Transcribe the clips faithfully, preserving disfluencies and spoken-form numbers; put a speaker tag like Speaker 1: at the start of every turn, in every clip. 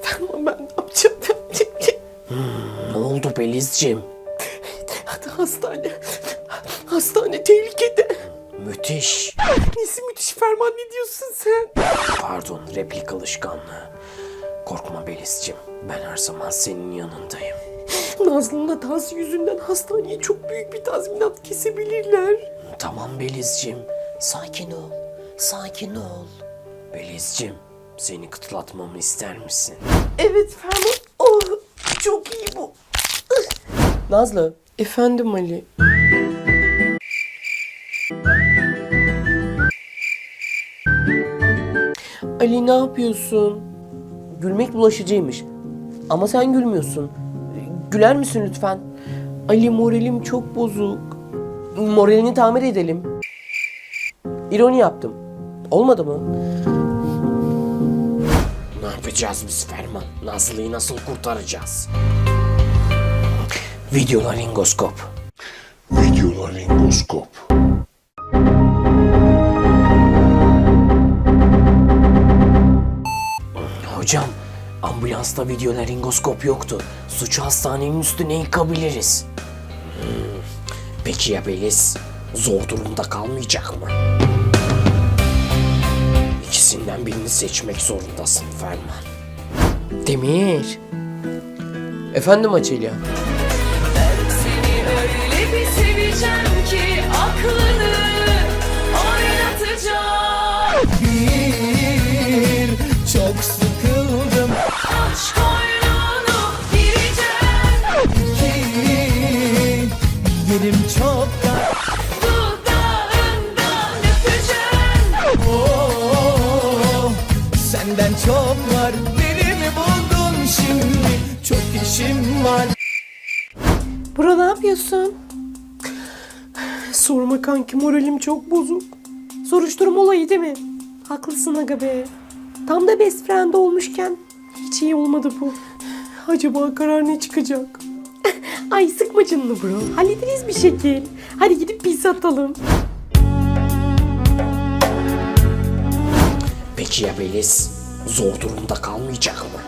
Speaker 1: Ama ben ne yapacağım?
Speaker 2: Hmm, ne oldu Belizciğim?
Speaker 1: Hastane. Hastane tehlikede.
Speaker 2: Müthiş.
Speaker 1: Nesi müthiş Ferman, ne diyorsun sen?
Speaker 2: Pardon, replik alışkanlığı. Korkma Belizciğim. Ben her zaman senin yanındayım.
Speaker 1: Nazlı'nın hatası yüzünden hastaneye çok büyük bir tazminat kesebilirler.
Speaker 2: Tamam Belizciğim. Sakin ol. Sakin ol. Belizciğim, seni kıtlatmamı ister misin?
Speaker 1: Evet Ferman. Oh, çok iyi bu. Nazlı. Efendim Ali. Ali ne yapıyorsun? Gülmek bulaşıcıymış. Ama sen gülmüyorsun. Güler misin lütfen? Ali, moralim çok bozuk. Moralini tamir edelim. İroni yaptım. Olmadı mı?
Speaker 2: Ne yapacağız biz Ferman? Nazlı'yı nasıl kurtaracağız? Videolaringoskop.
Speaker 3: Videolaringoskop.
Speaker 2: Hocam, ambulansta videolaringoskop yoktu. Suçu hastanenin üstüne yıkabiliriz. Hmm, Peki ya Beliz? Zor durumda kalmayacak mı? İkisinden birini seçmek zorundasın Ferman.
Speaker 1: Demir. Efendim Açelya.
Speaker 4: Seni öyle bir seveceğim ki aklını oynatacağım.
Speaker 5: Bir, çok sıkıldım.
Speaker 4: Aç koynunu gireceğim.
Speaker 5: İki, yerim çok dar.
Speaker 4: Dudağından öpeceğim.
Speaker 5: Oh, senden çok var. Beni mi buldun şimdi? Çok işim var.
Speaker 1: Bro, ne yapıyorsun? Sorma kanki, moralim çok bozuk. Soruşturma olayı değil mi? Haklısın aga be. Tam da best friend olmuşken hiç iyi olmadı bu. Acaba karar ne çıkacak? Ay sıkma canını bro. Hallederiz bir şekil. Hadi gidip pizza atalım.
Speaker 2: Peki ya Beliz? Zor durumda kalmayacak mı?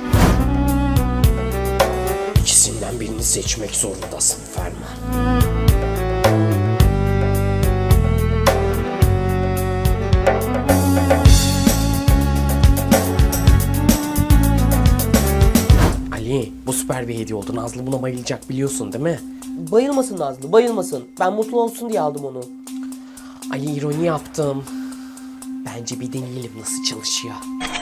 Speaker 2: İkisinden birini seçmek zorundasın Ferman. Ali, bu süper bir hediye oldu. Nazlı buna bayılacak, biliyorsun değil mi?
Speaker 1: Bayılmasın Nazlı, bayılmasın. Ben mutlu olsun diye aldım onu.
Speaker 2: Ali, ironi yaptım. Bence bir deneyelim nasıl çalışıyor.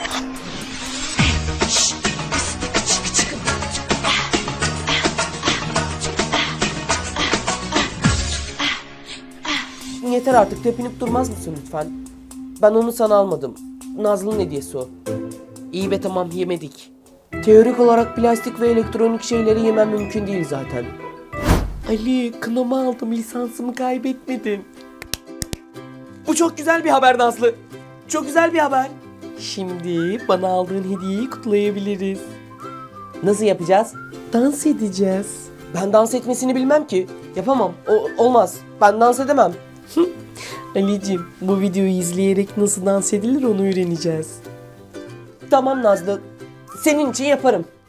Speaker 1: Yeter artık, tepinip durmaz mısın lütfen? Ben onu sana almadım. Nazlı'nın hediyesi o. İyi be, tamam, yemedik. Teorik olarak plastik ve elektronik şeyleri yemem mümkün değil zaten. Ali, kınama aldım, lisansımı kaybetmedim. Bu çok güzel bir haber Nazlı. Çok güzel bir haber. Şimdi bana aldığın hediyeyi kutlayabiliriz. Nasıl yapacağız? Dans edeceğiz. Ben dans etmesini bilmem ki. Yapamam. O, olmaz. Ben dans edemem. Ali'cim, bu videoyu izleyerek nasıl dans edilir onu öğreneceğiz. Tamam Nazlı. Senin için yaparım.